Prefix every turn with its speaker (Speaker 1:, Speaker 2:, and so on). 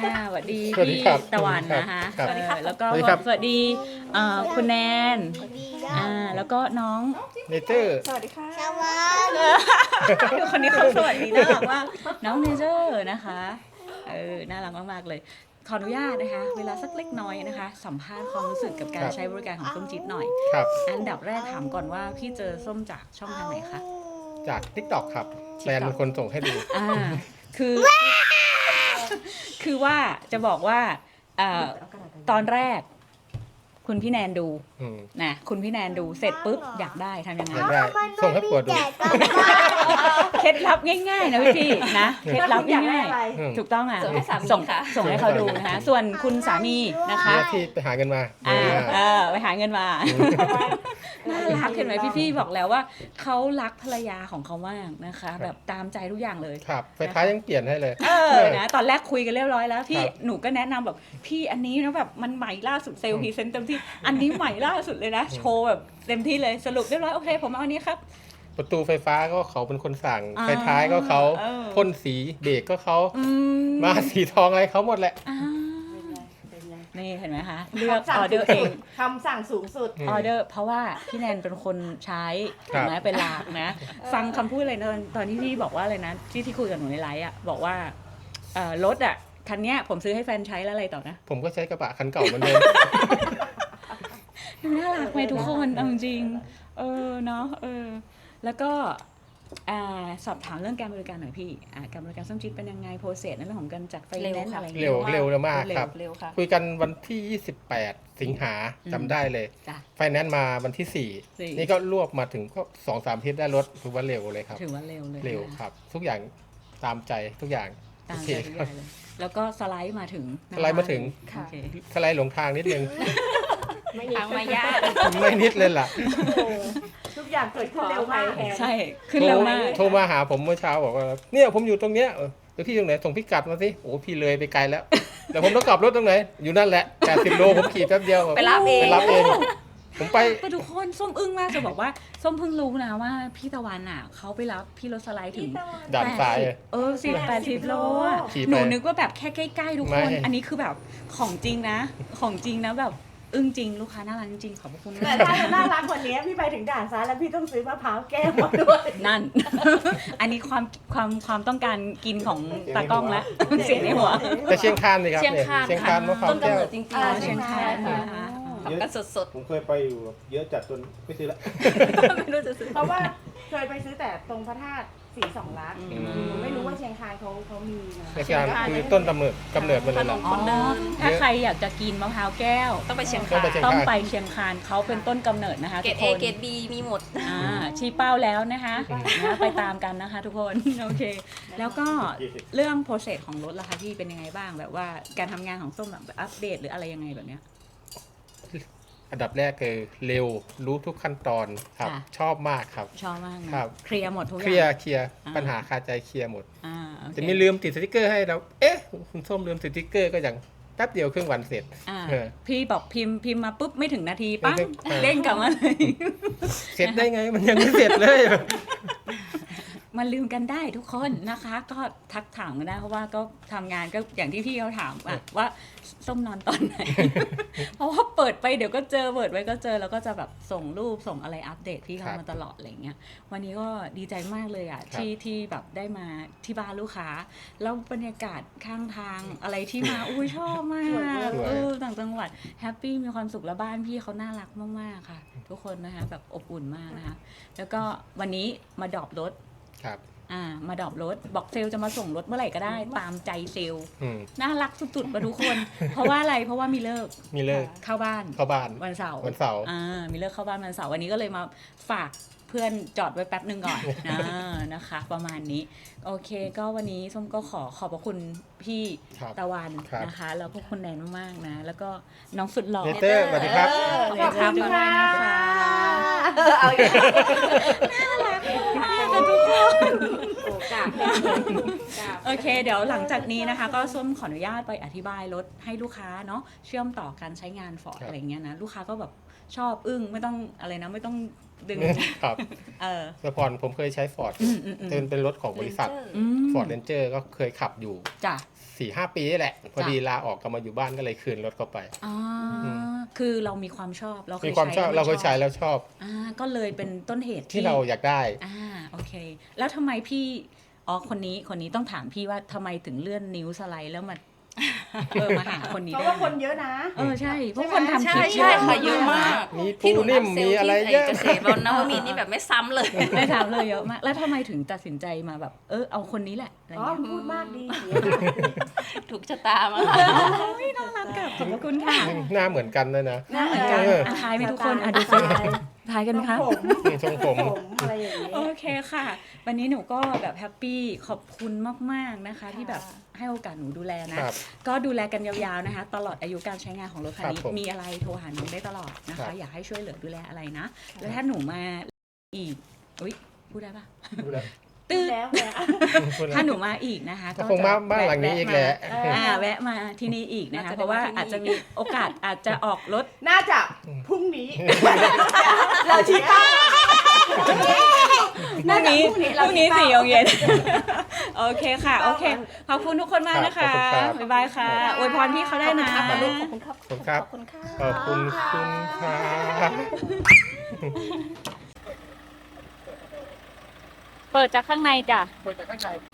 Speaker 1: สวัสดี
Speaker 2: สวัสดี
Speaker 1: พี่
Speaker 2: ครับ
Speaker 1: ตะวันนะคะ
Speaker 2: ครับ
Speaker 1: แล้วก็
Speaker 2: สวัสดีครับ
Speaker 1: สวัสดีคุณแนน
Speaker 3: สวัสดีค
Speaker 1: แล้วก็น้อง
Speaker 2: เนเจอร์
Speaker 4: สวัสดีค่ะ
Speaker 3: สวัสดี
Speaker 1: คนนี้เขาสวัสดีน่ารักมากน้องเนเจอร์นะคะน่ารักมากๆเลยขออนุญาตนะคะ เวลาสักเล็กน้อยนะคะ สัมภาษณ์ความรู้สึกกับการใช้บริการของส้มจิ๊ดหน่อย
Speaker 2: ครับ
Speaker 1: อันดับแรกถามก่อนว่าพี่เจอส้มจากช่องทางไหนคะ
Speaker 2: จาก TikTok ครับแฟนเป็นคนส่งให้ดู
Speaker 1: คือว่าจะบอกว่าตอนแรก คุณพี่แนนดู
Speaker 2: อืม
Speaker 1: นะคุณพี่แนนดูเสร็จปุ๊บอยากได้ทำยังไง
Speaker 2: อยากได้ส่งให้ปวดดู
Speaker 1: เคล็ดลับง่ายๆนะพี่ๆนะเคล็ดลับง่าย
Speaker 2: อืม
Speaker 1: ๆถูกต้องอ่ะ
Speaker 4: ส่งให้สามี
Speaker 1: ส่ง
Speaker 4: ค่ะ
Speaker 1: ส่งให้เขาดูนะคะส่วนคุณสามีนะคะ
Speaker 2: หน้าที่ไปหาเงินมา
Speaker 1: ไปหาเงินมาน่ารักเห็นไหมพี่ๆบอกแล้วว่าเขารักภรรยาของเขามากนะคะ แบบตามใจทุกอย่างเลย
Speaker 2: ครับไฟท้ายยังเปลี่ยนให้เลย
Speaker 1: นะตอนแรกคุยกันเรียบร้อยแล้วพี่
Speaker 2: ครับ
Speaker 1: หนูก็แนะนำแบบพี่อันนี้นะแบบมันใหม่ล่าสุดเซลล์พรีเซนต์เต็มที่อันนี้ใหม่ล่าสุดเลยนะโชว์แบบเต็มที่เลยสรุปเรียบร้อยโอเคผมเอาอันนี้ครับ
Speaker 2: ประตูไฟฟ้าก็เขาเป็นคนสั่ง
Speaker 1: อ่า
Speaker 2: ไฟท้ายก็เขา
Speaker 1: เออ
Speaker 2: พ่นสีเบรกก็เขา
Speaker 1: อืม
Speaker 2: มาสีทองอะไรเขาหมดแหละ
Speaker 1: อ่า
Speaker 4: เป็นไง
Speaker 1: นี่เห็นไหมคะเลือกออเดอร์เอง
Speaker 4: คำสั่งสูงสุด
Speaker 2: อืม
Speaker 1: ออเดอร์เพราะว่าพี่แนนเป็นคนใช้
Speaker 2: ครั
Speaker 1: ถู
Speaker 2: บ
Speaker 1: กไหมเป็นหลักนะ ฟังคำพูดอะไรนะตอนที่พี่บอกว่าอะไรนะที่คุยกับหนูในไลฟ์อ่ะบอกว่ารถอ่ะคันเนี้ยผมซื้อให้แฟนใช้แล้วอะไรต่อนะ
Speaker 2: ผมก็ใช้กระบะคันเก่าเหมือนเดิม
Speaker 1: น่ารักไหมทุกคนเอาจริงเนาะแล้วก็สอบถามเรื่องการบริการหน่อยพี่การบริการส้มจิ๊ดเป็นยังไงโปรเซสในเรื่องของการจัดไฟแนนซ์อะไรอย่าง
Speaker 2: เร็
Speaker 1: เงี้
Speaker 2: วย เร็วมากครับ
Speaker 4: เร็วค่ะ
Speaker 2: คุยกันวันที่ 28 สิงหา
Speaker 1: อืม
Speaker 2: จำได้เลย
Speaker 1: จ้ะ
Speaker 2: ไฟแนนซ์มาวันที่
Speaker 1: สี่
Speaker 2: 4 นี่ก็รวบมาถึงก็2-3อาทิตย์ได้รถถือว่าเร็วเลยครับ
Speaker 1: ถือว่าเร็วเลย
Speaker 2: เร็ว
Speaker 1: นะครับ
Speaker 2: ทุกอย่างตามใจทุกอย่าง
Speaker 1: ตาม
Speaker 2: โอ
Speaker 1: ใจ
Speaker 2: เค
Speaker 1: ทุกอย่างเลยแล้วก็สไลด์มาถึง
Speaker 2: สไลด์มาถึง
Speaker 1: โอเค
Speaker 2: สไลด์หลงทางนิดนึง
Speaker 4: ทางมายาก
Speaker 2: ไม่นิดเลยล่ะ
Speaker 4: ทุกอย่างเกิดขึ้นเร็วมาก
Speaker 1: ใช่ขึ้นเร็วมาก
Speaker 2: โทรมาหาผมเมื่อเช้าบอกว่าเนี่ยผมอยู่ตรงเนี้ยเดี๋ยวพี่ตรงไหนส่งพิกัดมาสิโอ้พี่เลยไปไกลแล้วเดี๋ยวผมต้องกลับรถตรงไหนอยู่นั่นแหละ80 โลผมขี่แป๊บเดียว
Speaker 4: ไปรับเอง
Speaker 2: ไปรับเองผมไป
Speaker 1: ไปทุกคนส้มอึ้งมากจะบอกว่าส้มเพิ่งรู้นะว่าพี่ตะวันเขาไปรับพี่รถสไลด์ถึง
Speaker 2: ด่านซ้าย
Speaker 1: 80 โลอ่ะ
Speaker 2: ขี่ไป
Speaker 1: หนูนึกว่าแบบแค่ใกล้ๆทุกคน
Speaker 2: ไม่
Speaker 1: อันนี้คือแบบของจริงนะ ของจริงนะแบบอึ้งจริงลูกค้าน่ารักจริงๆขอบพระคุณ
Speaker 4: แต่
Speaker 1: มาก
Speaker 4: ถ้าจะน่ารักกว่านี้พี่ไปถึงด่านซ้ายแล้วพี่ต้องซื้อมะพร้าวแก้วมาด้วย
Speaker 1: นั่น อันนี้ความต้องการกินของตากล้องแล้วเสียงในหัว
Speaker 2: แต่เชียงคานเลยครับ
Speaker 4: เชียง
Speaker 2: เนี่ย
Speaker 4: คาน
Speaker 2: เชียงคานมะพร้าว
Speaker 4: ต้น
Speaker 2: แก้
Speaker 4: กำ
Speaker 2: ว
Speaker 4: เนิดจริง
Speaker 1: อ๋อ
Speaker 4: ๆ
Speaker 1: เชียงคานนะคะ
Speaker 4: ทำกันสด
Speaker 5: ผมเคยไปอยู่เยอะจัดจนไม่ซื้อละ
Speaker 4: ๆไม่รู้จะซื้อเพราะว่าเคยไปซื้อแต่ตรงพระธาตุสีสองลักษณ์
Speaker 1: อืม
Speaker 4: หนูไม่รู้ว่าเชียงคานเขามีนะ
Speaker 2: เชียงคานคือต้นกำเนิดมันเลยแหละ
Speaker 1: อ๋อถ้าใครอยากจะกินมะพร้าวแก้ว
Speaker 4: ต้องไปเชียง
Speaker 2: ต้อ
Speaker 4: คาง
Speaker 2: ไป
Speaker 4: น
Speaker 2: เชียง
Speaker 1: ต้องไปเชียงคานเขาเป็นต้นกำเนิดนะคะ
Speaker 4: เกร
Speaker 1: ทุ
Speaker 4: ด
Speaker 1: ก
Speaker 4: เอ
Speaker 1: คน
Speaker 4: เกรดบีมีหมด
Speaker 1: ชี้เป้าแล้วนะคะไปตามกันนะคะทุกคน โอเค แล้วก็เรื่องโปรเซสของรถล่ะคะพี่เป็นยังไงบ้างแบบว่าการทำงานของส้มแบบอัปเดตหรืออะไรยังไงแบบเนี้ย
Speaker 2: อันดับแรกคือเร็วรู้ทุกขั้นตอนครับ
Speaker 1: ค่ะ
Speaker 2: ชอบมากครับ
Speaker 1: ชอบมากนะครับ เคลียร์หมดทุกอ
Speaker 2: เคลีย
Speaker 1: ย่าง
Speaker 2: ร์เคลียร์
Speaker 1: อ่า
Speaker 2: ปัญหาคาใจเคลียร์หมด
Speaker 1: โอเค
Speaker 2: จะมีลืมติดสติกเกอร์ให้เราเอ๊ะคุณส้มลืมติดสติกเกอร์ก็อย่างแป๊บเดียวครึ่งวันเสร็จ
Speaker 1: อ่า
Speaker 2: เออ
Speaker 1: พี่บอกพิมพ์มาปุ๊บไม่ถึงนาทีปั้ง
Speaker 2: เออ
Speaker 1: เด้งกลับมาเลย
Speaker 2: เสร็จได้ไงมันยังไม่เสร็จเลย
Speaker 1: มันลืมกันได้ทุกคนนะคะ ก็ทักถามกันได้เพราะว่าก็ทำงานก็อย่างที่พี่เขาถามอะว่าส้มนอนตอนไหน เพราะว่าเปิดไปเดี๋ยวก็เจอเปิดไว้ก็เจอแล้วก็จะแบบส่งรูปส่งอะไรอัปเดตพี่เขา
Speaker 2: ครับ
Speaker 1: มาตลอดอะไรเงี้ยวันนี้ก็ดีใจมากเลยอ่ะ
Speaker 2: ครับ
Speaker 1: ที่แบบได้มาที่บ้านลูกค้า แล้วบรรยากาศข้างทางอะไรที่มา อุ้ยชอบมากต่างจังหวัดแฮปปี้มีความสุขแล้วบ้านพี่เขาน่ารักมากๆค่ะ ทุกคนนะคะแบบอบอุ่นมากนะคะแล้วก็วันนี้มาดรอปรถ
Speaker 2: ครับ
Speaker 1: มาดรอปรถบอกเซลลจะมาส่งรถเมื่อไหร่ก็ได้ตามใจเซลล์
Speaker 2: อืม
Speaker 1: น่ารักสุดๆมาทุกคน เพราะว่าอะไรเพราะว่ามีเลิก
Speaker 2: มีเลิก
Speaker 1: เข้าบ้าน
Speaker 2: เข้าบ้าน
Speaker 1: วันเสาร์
Speaker 2: วันเสาร์
Speaker 1: มีเลิกเข้าบ้านวันเสาร์วันนี้ก็เลยมาฝากเพื่อนจอดไว้แป๊บหนึ่งก่อน นะคะ ประมาณนี้ โอเค ก็วันนี้ส้มก็ขอบพระคุณพี่
Speaker 2: ครับ
Speaker 1: ตะวัน
Speaker 2: ครับ
Speaker 1: นะคะ แล้วก็คุณแนนมากๆนะ แล้วก็น้องสุดหล่อ
Speaker 2: เนเตอร์สวัสดีครับ
Speaker 1: ขอบคุณค่ะนะคะ
Speaker 4: เอาอีกแล้ว
Speaker 1: น่ารักมากค่ะทุกคน
Speaker 4: กราบกราบ
Speaker 1: โอเค เดี๋ยวหลังจากนี้นะคะ ก็ส้มขออนุญาตไปอธิบายรถให้ลูกค้าเนาะเชื่อมต่อการใช้งานฟอร์ด
Speaker 2: ครับ
Speaker 1: อะไรเงี้ยนะลูกค้าก็แบบชอบอึ้งไม่ต้องอะไรนะไม่ต้องดึง
Speaker 2: ครับ
Speaker 1: เออ
Speaker 2: แต่ก่อนผมเคยใช้ฟอร์ด เป็นรถของบริษัท
Speaker 1: อืม
Speaker 2: ฟอร์ดเรนเจอร์ก็เคยขับอยู่
Speaker 1: จ้ะ
Speaker 2: 4-5 ปีนี่แหละ พอดีลาออกกลับมาอยู่บ้านก็เลยคืนรถเข้าไป
Speaker 1: อ๋ออคือเรามีความชอบเราเค
Speaker 2: มี
Speaker 1: ย
Speaker 2: ความชอบ
Speaker 1: ใช้
Speaker 2: เราเคยใช้แล้วชอบ
Speaker 1: ก็เลยเป็นต้นเหตุ
Speaker 2: ที่เราอยากได้
Speaker 1: โอเค แล้วทำไมพี่คนนี้ต้องถามพี่ว่าทำไมถึงเลื่อนนิ้วสไลด์แล้วมามาหาคนนี้
Speaker 4: เพราะ
Speaker 1: ได้
Speaker 4: ว่าคนเยอะนะ
Speaker 1: ใช่เพราะคนทำ
Speaker 3: ใช่
Speaker 1: คลิป
Speaker 3: ใช่ค่ะเยอะมาก
Speaker 2: มี
Speaker 3: ที่หนู
Speaker 2: ปูนิ่
Speaker 3: รับ
Speaker 2: ม
Speaker 3: เซล
Speaker 2: มี
Speaker 3: ล์
Speaker 2: อะไร
Speaker 3: ที่
Speaker 2: เยอะ
Speaker 3: เกษตรบนนวมินทร์นี่แบบไม่ซ้ำเลย
Speaker 1: ไม่ถามเลยเยอะมาก แล้วทำไมถึงตัดสินใจมาแบบเอาคนนี้แหละอะไร
Speaker 4: อ๋อ
Speaker 1: เงี้ย
Speaker 4: พูดมากดี
Speaker 3: ถูกชะตามา
Speaker 1: ไม่น่ารักกับขอบพระคุณค่ะ
Speaker 2: หน้าเหมือนกันด้วยนะ
Speaker 1: หน้าเหมือนกันทายไหมทุกคนดูสิทายกันไหมคะ
Speaker 4: ผม
Speaker 2: ทรงผม
Speaker 4: อะไรอย่างนี้
Speaker 1: โอเคค่ะ วันนี้หนูก็แบบแฮปปี้ขอบคุณมากๆนะคะ ที่แบบให้โอกาสหนูดูแลนะ
Speaker 2: ครับ
Speaker 1: ก็ดูแลกันยาวๆนะคะ ตลอดอายุการใช้งานของรถคันนี้
Speaker 2: ครับผม
Speaker 1: มีอะไรโทรหาน้องได้ตลอดนะ
Speaker 2: ครั
Speaker 1: คะ
Speaker 2: บ
Speaker 1: อยากให้ช่วยเหลือดูแลอะไรนะ แล้วถ้าหนูมาอีกอุ๊ยพูดได้ปะ
Speaker 2: ดูแล
Speaker 1: ตื้อ
Speaker 4: แล้วเนี่ย
Speaker 1: ถ้าหนูมาอีกนะคะ
Speaker 2: ก็คงมาบ้านหลังนี้อีกแหละ
Speaker 1: แวะมาที่นี่อีกนะคะ
Speaker 3: น่าจะได้
Speaker 1: เพราะว่า
Speaker 3: มาที่นี่
Speaker 1: อาจจะมีโอกาสอาจจะออกรถ
Speaker 4: น่าจะพรุ่งนี้ เราชี้เป้า
Speaker 1: พรุ่งนี้4 โมงเย็น โอเคค่ะ โอเค ขอบคุณทุกคนมากนะคะ
Speaker 2: ขอบคุณครับ
Speaker 1: บ๊ายบายค่ะอวยพรพี่เขาได้นะ
Speaker 3: ขอบคุณครับ
Speaker 2: ขอบคุณครับ
Speaker 3: ขอบคุณค่ะ
Speaker 2: ขอบคุณคุณครับ
Speaker 1: เปิดจากข้างในจ้ะ
Speaker 2: เปิดจากข้างใน